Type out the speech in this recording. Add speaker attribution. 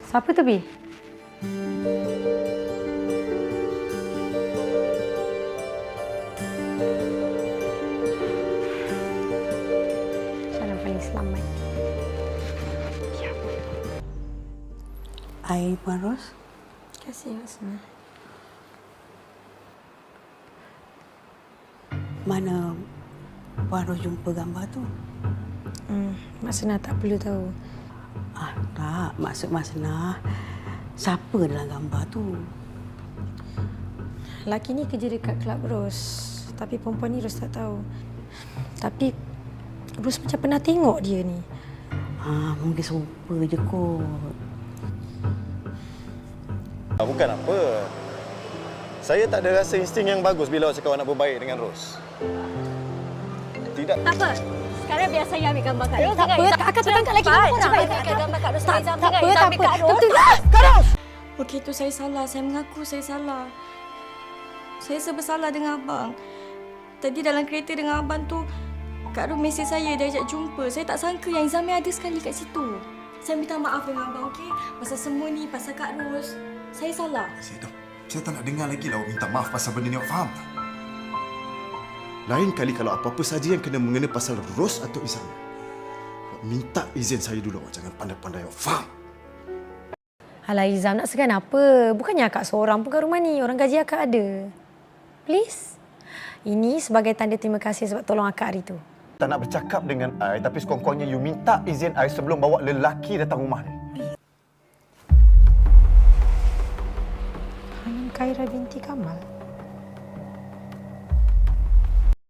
Speaker 1: Siapa tu, Bi? Jalan paling selamat. Ya.
Speaker 2: Air Puan Ros.
Speaker 1: Terima kasih, Hasna.
Speaker 2: Mana Puan Ros jumpa gambar tu?
Speaker 1: Mak Senah tak perlu tahu.
Speaker 2: Tak. Maksud Mak Senah, siapa dalam gambar tu?
Speaker 1: Lelaki ni kerja dekat Club Rose. Tapi perempuan ni Rose tak tahu. Tapi Rose macam pernah tengok dia ni.
Speaker 2: Mungkin serupa je kot.
Speaker 3: Bukan apa. Saya tak ada rasa insting yang bagus bila awak cakap awak nak berbaik dengan Ros. Tidak.
Speaker 4: Tak apa. Sekarang biar saya ambil gambar Kak Ros.
Speaker 1: Tak apa, Kak terangkat lagi dengan orang.
Speaker 4: Cepat ambil gambar Kak Ros.
Speaker 1: Tak apa,
Speaker 4: Kak Ros.
Speaker 1: Betul lah, Kak Ros!
Speaker 5: Okey, tu saya salah. Saya mengaku saya salah. Saya serba salah dengan abang. Tadi dalam kereta dengan abang tu, Kak Ros mesej saya, dia ajak jumpa. Saya tak sangka yang Izami ada sekali kat situ. Saya minta maaf dengan abang, okey? Pasal semua ni, pasal Kak Ros. Saya salah.
Speaker 6: Saya tak nak dengar lagi lah awak minta maaf pasal benda ni, awak faham tak? Lain kali kalau apa-apa saja yang kena mengena pasal Ros atau Izami, awak minta izin saya dulu, awak jangan pandai-pandai, awak faham?
Speaker 1: Alah Izam, nak segan apa? Bukannya akak seorang pun kat rumah ni. Orang gaji akak ada. Please. Ini sebagai tanda terima kasih sebab tolong akak hari tu.
Speaker 3: Tak nak bercakap dengan I, tapi sekurang-kurangnya you minta izin I sebelum bawa lelaki datang rumah ni.
Speaker 1: Hanum Khaira binti Kamal.